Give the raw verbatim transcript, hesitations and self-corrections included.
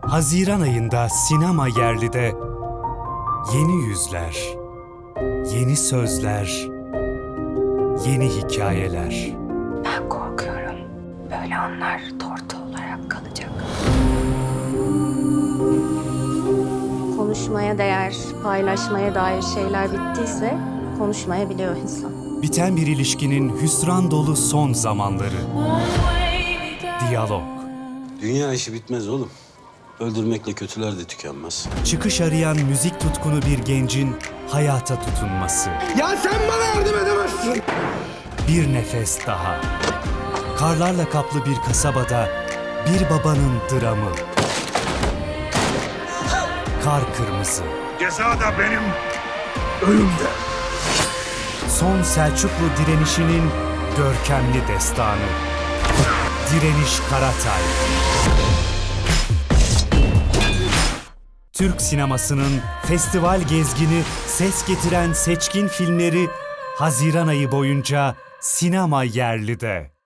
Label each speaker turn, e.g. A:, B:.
A: Haziran ayında sinema yerlide yeni yüzler, yeni sözler, yeni hikayeler.
B: Ben korkuyorum. Böyle anlar tortu olarak kalacak.
C: Konuşmaya değer, paylaşmaya dair şeyler bittiyse konuşmayabiliyor insan.
A: Biten bir ilişkinin hüsran dolu son zamanları. Diyalog.
D: Dünya işi bitmez oğlum. Öldürmekle kötüler de tükenmez.
A: Çıkış arayan müzik tutkunu bir gencin hayata tutunması.
E: Ya sen bana yardım edemezsin.
A: Bir nefes daha. Karlarla kaplı bir kasabada bir babanın dramı. Kar kırmızı.
E: Ceza da benim, ölüm de.
A: Son Selçuklu direnişinin görkemli destanı. Direniş Karatay. Türk sinemasının festival gezgini, ses getiren seçkin filmleri Haziran ayı boyunca sinema yerlide.